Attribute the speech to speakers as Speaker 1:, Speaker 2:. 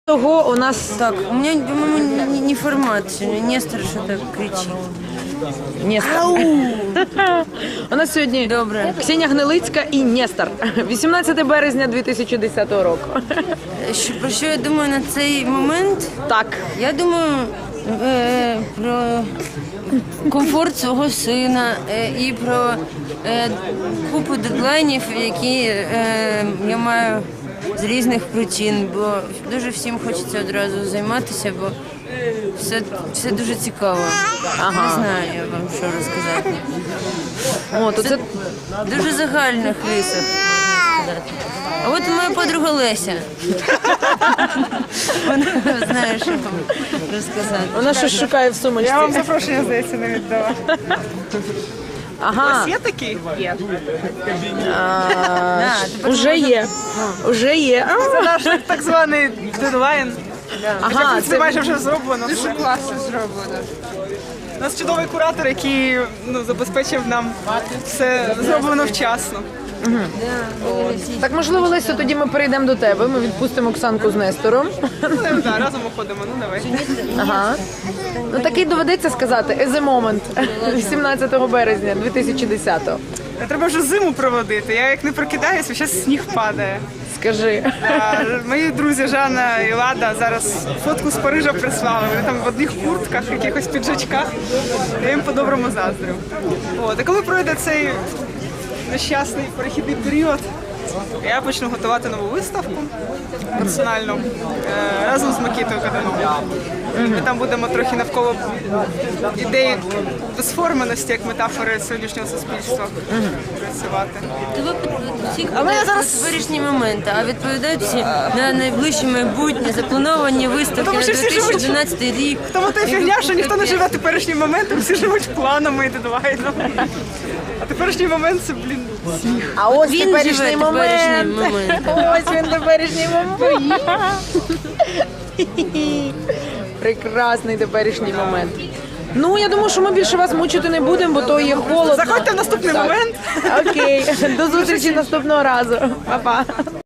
Speaker 1: Того у нас
Speaker 2: Так, у меня, по-моему, не формат сегодня. Нестор что-то кричит.
Speaker 1: Нестор. У нас сьогодні
Speaker 2: Добре.
Speaker 1: Ксенія Гнилицька і Нестор. 18 березня 2010 року.
Speaker 2: Про що я думаю на цей момент?
Speaker 1: Так.
Speaker 2: Я думаю про комфорт свого сина і про купу дедлайнів, які я маю з різних причин, бо дуже всім хочеться одразу займатися, бо все дуже цікаво.
Speaker 1: Ага.
Speaker 2: Не знаю я вам що розказати.
Speaker 1: О, то це
Speaker 2: Дуже загальних рисах, можна сказати. А от моя подруга Леся. Вона знає, що вам розказати.
Speaker 1: вона щось шукає в сумочці.
Speaker 3: Я вам запрошення, здається, не віддала.
Speaker 1: Ага.
Speaker 3: Є такі? Є.
Speaker 1: Уже є. Уже є.
Speaker 3: Це наш так званий дедлайн.
Speaker 1: Ага,
Speaker 3: Це майже вже зроблено.
Speaker 2: Дуже класно зроблено.
Speaker 3: У нас чудовий куратор, який забезпечив нам все зроблено вчасно.
Speaker 1: Так, можливо, Лесю, тоді ми перейдемо до тебе. Ми відпустимо Оксанку з Нестором.
Speaker 3: Ну, да, разом уходимо, ну давай.
Speaker 1: Ага. Ну такий доведеться сказати as a moment 18 березня 2010-го.
Speaker 3: Треба вже зиму проводити. Я як не прокидаюся, зараз сніг падає.
Speaker 1: Скажи.
Speaker 3: Мої друзі Жанна і Лада зараз фотку з Парижа прислали. Вони там в одних куртках, якихось піджачках. Я їм по-доброму заздрю. От, а коли пройде цей нещасний перехідний період, я почну готувати нову виставку персональну разом з Микитою Кадановим. Ми там будемо трохи навколо ідеї безформеності, як метафори сьогоднішнього суспільства працювати.
Speaker 2: Всі говорять про теперішні моменти, а відповідають всі на найближче майбутнє, заплановані виставки
Speaker 3: Тому
Speaker 2: на
Speaker 3: що всі живуть.
Speaker 2: 2011 рік.
Speaker 3: Тому та фігня, що ніхто не живе теперішнім моментом, всі живуть планами і дедлайнами. А теперішній момент це, сніг.
Speaker 1: А ось
Speaker 2: Він
Speaker 1: теперішній
Speaker 2: живе
Speaker 1: момент.
Speaker 2: теперішнім моментом.
Speaker 1: Ось він теперішній момент. Прекрасний теперішній момент. Ну, я думаю, що ми більше вас мучити не будемо, бо то є холодно.
Speaker 3: Заходьте в наступний
Speaker 1: Так.
Speaker 3: момент.
Speaker 1: Окей, до зустрічі наступного разу. Па-па.